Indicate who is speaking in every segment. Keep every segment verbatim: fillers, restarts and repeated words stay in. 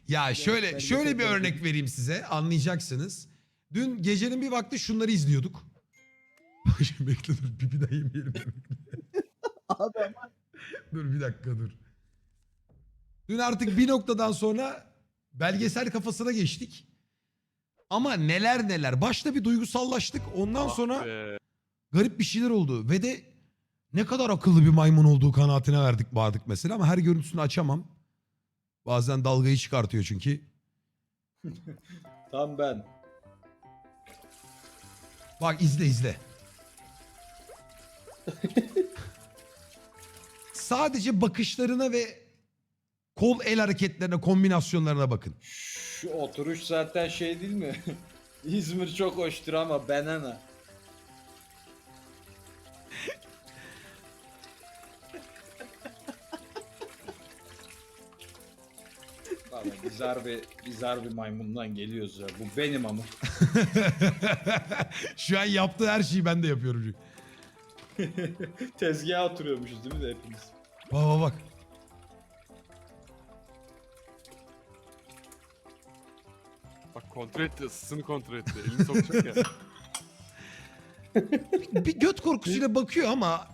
Speaker 1: Ya şöyle şöyle bir örnek vereyim size, anlayacaksınız. Dün gecenin bir vakti şunları izliyorduk. Şimdi bekle dur, pipi de yemeyelim.
Speaker 2: Abi ama
Speaker 1: Dur bir dakika dur. Dün artık bir noktadan sonra belgesel kafasına geçtik. Ama neler neler. Başta bir duygusallaştık. Ondan
Speaker 3: Ah
Speaker 1: sonra
Speaker 3: be.
Speaker 1: garip bir şeyler oldu. Ve de ne kadar akıllı bir maymun olduğu kanaatine verdik vardık mesela. Ama her görüntüsünü açamam. Bazen dalgayı çıkartıyor çünkü.
Speaker 2: tam ben.
Speaker 1: Bak izle izle. Sadece bakışlarına ve kol el hareketlerine, kombinasyonlarına bakın.
Speaker 2: Şu oturuş zaten şey değil mi? İzmir çok hoştur ama banana. Valla biz harbi, biz harbi maymundan geliyoruz ya. Bu benim ama.
Speaker 1: Şu an yaptığı her şeyi ben de yapıyorum.
Speaker 2: Tezgaha oturuyormuşuz değil mi de hepimiz?
Speaker 1: Bak bak bak.
Speaker 3: Bak kontrol etti, ısısını kontrol etti. Elini sokacak ya.
Speaker 1: Bir göt korkusuyla bakıyor ama...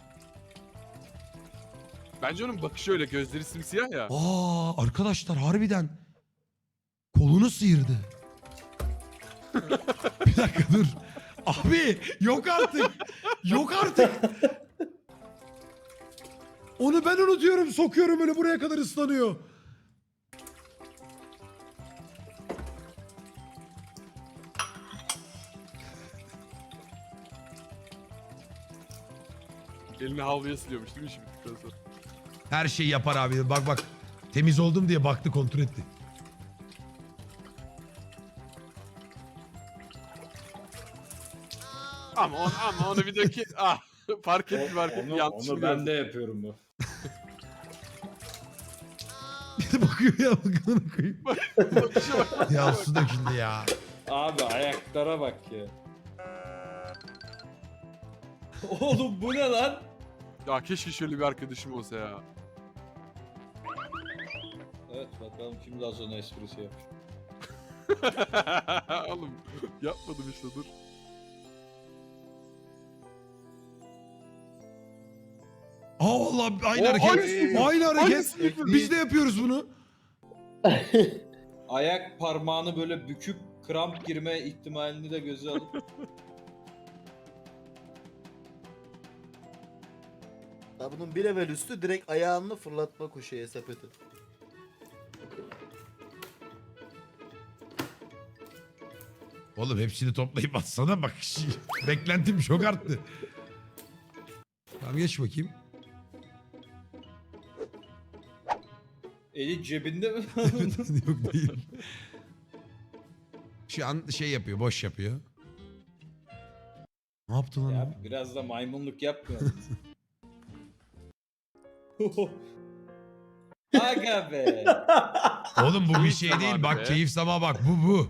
Speaker 3: Bence onun bakışı öyle, gözleri simsiyah ya.
Speaker 1: Aa arkadaşlar harbiden kolunu sıyırdı. Bir dakika dur. Abi yok artık. Yok artık. Onu ben unutuyorum, sokuyorum öyle buraya kadar ıslanıyor.
Speaker 3: Elini havluya siliyormuş değil mi şimdi bittikten sonra?
Speaker 1: Her şeyi yapar abi. Bak bak. Temiz oldum diye baktı, kontrol etti.
Speaker 3: Ama onu, ama onu bir dökü... Ah fark etti fark etti.
Speaker 2: Onu,
Speaker 3: Yanlış
Speaker 2: onu ben de yapıyorum bu.
Speaker 1: Bir de bakıyor ya, bakın koyayım.
Speaker 3: Bakışa bak.
Speaker 1: Ya su döküldü ya.
Speaker 2: Abi ayaklara bak ya. Oğlum bu ne lan?
Speaker 3: Ya keşke şöyle bir arkadaşım olsa ya.
Speaker 2: Evet bakalım kim daha sonra esprisi yapmış.
Speaker 3: Oğlum yapmadım işte dur.
Speaker 1: Aa vallahi aynı
Speaker 3: O,
Speaker 1: hareket.
Speaker 3: aynısı.
Speaker 1: Aynı hareket.
Speaker 3: Aynısı yapıyor.
Speaker 1: Biz de yapıyoruz bunu.
Speaker 2: Ayak parmağını böyle büküp kramp girme ihtimalini de göze alıp.
Speaker 4: Ya bunun bir level üstü direkt ayağını fırlatma koşuya sepeti.
Speaker 1: Oğlum hepsini toplayıp atsana bak. Beklentim çok arttı. Tamam geç bakayım.
Speaker 2: Eli cebinde mi?
Speaker 1: Yok değil. Şu an şey yapıyor, boş yapıyor. Ne yaptı lan?
Speaker 2: Ya biraz da maymunluk yapmıyor musun? Aga be.
Speaker 1: Oğlum bu bir
Speaker 3: Keyif
Speaker 1: şey
Speaker 3: zamanı
Speaker 1: değil. Bak
Speaker 3: be.
Speaker 1: keyif sama bak. Bu bu.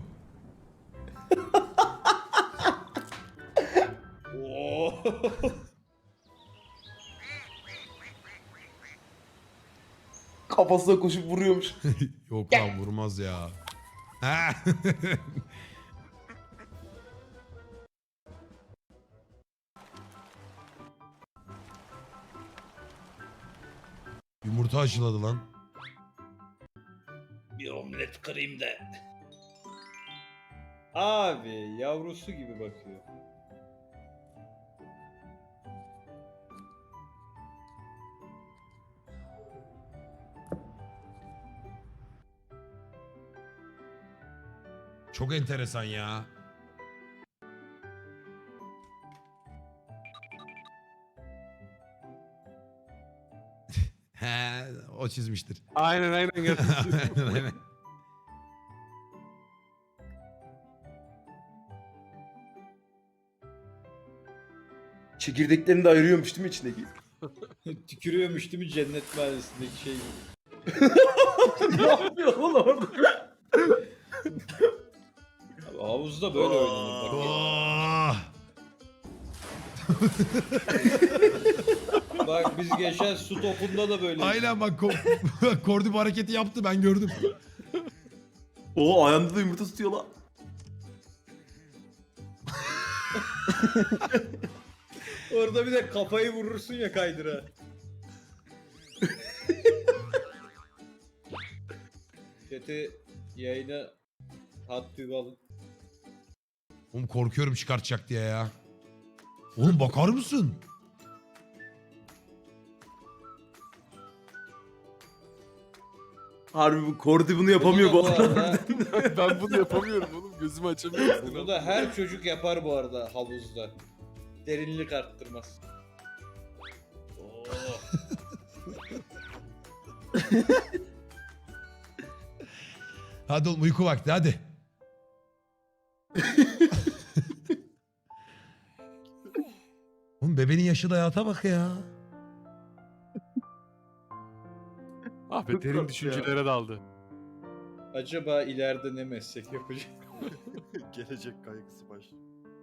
Speaker 2: Oo.
Speaker 4: Kafasına koşup vuruyormuş.
Speaker 1: Yok lan vurmaz ya. Ha. Yumurta aşıladı lan.
Speaker 2: Bir omlet kırayım da. Abi yavrusu gibi bakıyor.
Speaker 1: Çok enteresan ya. He, o çizmiştir.
Speaker 3: Aynen aynen.
Speaker 1: Aynen, aynen.
Speaker 4: Çekirdeklerini de ayırıyormuş değil mi içindeki?
Speaker 2: Tükürüyormuş değil mi cennet mahallesindeki şey gibi.
Speaker 4: Ne yapıyor oğlum orada?
Speaker 2: Abi, havuzda böyle oynanır bak.
Speaker 1: Oh!
Speaker 2: Bak biz geçen su topunda da böyle.
Speaker 1: Aynen bak ko- Kordi bu hareketi yaptı, ben gördüm.
Speaker 5: Oo ayağında da yumurta tutuyor lan.
Speaker 2: Orada bir de kafayı vurursun ya kaydıra. Chat'i yayına hat tüyü alın.
Speaker 1: Oğlum korkuyorum çıkartacak diye ya. Oğlum bakar mısın?
Speaker 5: Harbi bu Kordi bunu yapamıyor
Speaker 2: Bunu
Speaker 5: bu
Speaker 2: da
Speaker 5: arada.
Speaker 3: Ben bunu yapamıyorum oğlum. Gözümü açamıyorum.
Speaker 2: Bunu da her çocuk yapar bu arada havuzda. Derinlik arttırmaz. Oo.
Speaker 1: Hadi oğlum uyku vakti hadi. Oğlum bebeğin yaşı da hayata bak ya.
Speaker 3: Ah be
Speaker 5: Çok
Speaker 3: derin
Speaker 5: tatlı
Speaker 3: düşüncelere daldı.
Speaker 2: Acaba ileride ne meslek yapacak?
Speaker 6: Gelecek kaygısı başlıyor.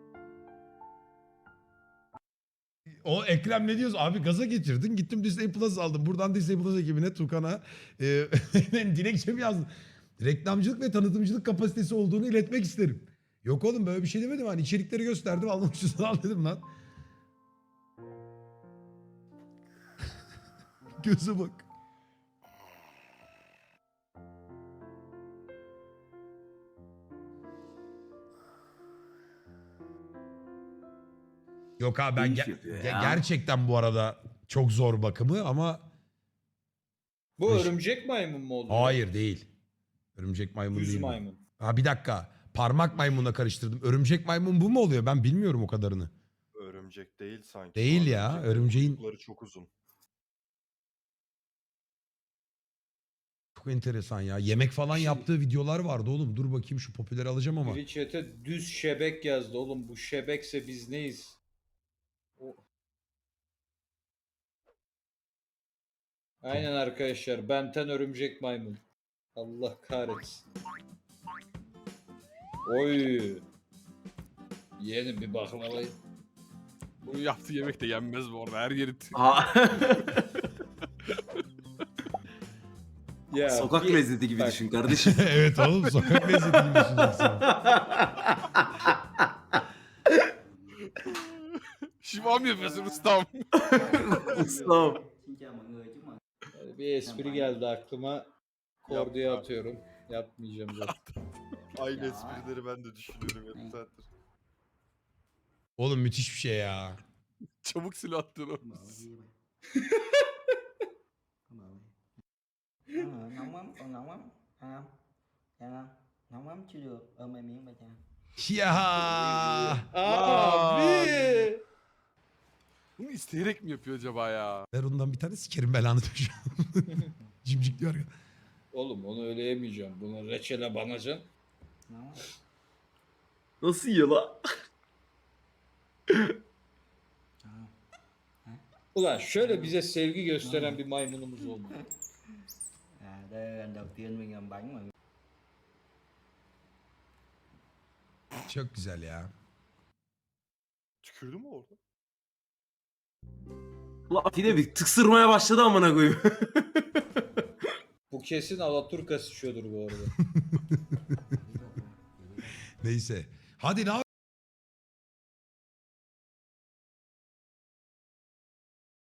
Speaker 1: O Ekrem ne diyorsun? Abi gaza getirdin. Gittim Disney Plus aldım. Buradan Disney Plus ekibine Tukan'a e, dilekçemi yazdım. Reklamcılık ve tanıtımcılık kapasitesi olduğunu iletmek isterim. Yok oğlum böyle bir şey demedim. Hani içerikleri gösterdim. Almak istiyorsan al dedim lan. Göze bak. Yok abi ben
Speaker 5: İyi iş
Speaker 1: ge-
Speaker 5: yapıyor
Speaker 1: ge-
Speaker 5: ya.
Speaker 1: gerçekten bu arada çok zor bakımı ama
Speaker 2: Bu
Speaker 1: Beş-
Speaker 2: örümcek maymun mu oldu?
Speaker 1: hayır değil. Örümcek maymun
Speaker 2: Düz
Speaker 1: değil. bu.
Speaker 2: maymun.
Speaker 1: Ha bir dakika. Parmak maymunla karıştırdım. Örümcek maymun bu mu oluyor? Ben bilmiyorum o kadarını.
Speaker 6: Örümcek değil sanki.
Speaker 1: Değil
Speaker 6: Bu
Speaker 1: ya,
Speaker 6: örümceklerin
Speaker 1: örümceğin-
Speaker 6: kuyrukları çok uzun.
Speaker 1: Çok enteresan ya. Yemek falan
Speaker 2: Şimdi-
Speaker 1: yaptığı videolar vardı oğlum. Dur bakayım şu popüleri alacağım ama.
Speaker 2: Biri chat'e düz şebek yazdı oğlum. Bu şebekse biz neyiz? O... Aynen arkadaşlar. Benten örümcek maymun. Allah kahretsin. Oy. Yeğenim bir baklavayı.
Speaker 3: Bunun yaptığı yemek de yenmez bu arada. Her yeri t-
Speaker 5: Ha.
Speaker 2: Ya
Speaker 5: Sokak
Speaker 2: bir-
Speaker 5: lezzeti gibi
Speaker 2: Bak.
Speaker 5: düşün kardeşim.
Speaker 1: Evet oğlum sokak lezzeti gibi düşüneceksin.
Speaker 3: şivam yapıyorsun ustam.
Speaker 5: Ustam.
Speaker 2: Bir espri geldi aklıma. Korduya
Speaker 6: Yapma.
Speaker 2: atıyorum. Yapmayacağım zaten.
Speaker 6: Aynı esprileri ben de düşünüyorum yarım saattir.
Speaker 1: Oğlum müthiş bir şey ya.
Speaker 3: Çabuk silah attın o.
Speaker 7: Ờ, nóng lắm, còn nóng lắm. À, dạ không? Nóng lắm chưa được, ôm em miếng bà cha.
Speaker 1: Ya.
Speaker 2: Abi.
Speaker 3: Bunu isteyerek mi yapıyor acaba ya?
Speaker 1: Ver ondan bir tane sikerim belanı düşüyor. Cimcik diyor ya.
Speaker 2: Oğlum onu öyle yemeyeceğim. Bunu reçele banacaksın.
Speaker 7: Nóng lắm.
Speaker 5: Nasıl yiyor lan?
Speaker 2: Ulan şöyle bize sevgi gösteren bir maymunumuz olmalı.
Speaker 7: À, đây là lần đầu tiên mình làm bánh mà.
Speaker 1: Çok güzel ya.
Speaker 6: Tükürdü mü orada?
Speaker 5: Ulan Atilla bir tıksırmaya başladı amına koyayım.
Speaker 2: Bu kesin Alaturka sıçıyordur bu arada.
Speaker 1: Neyse. Hadi ne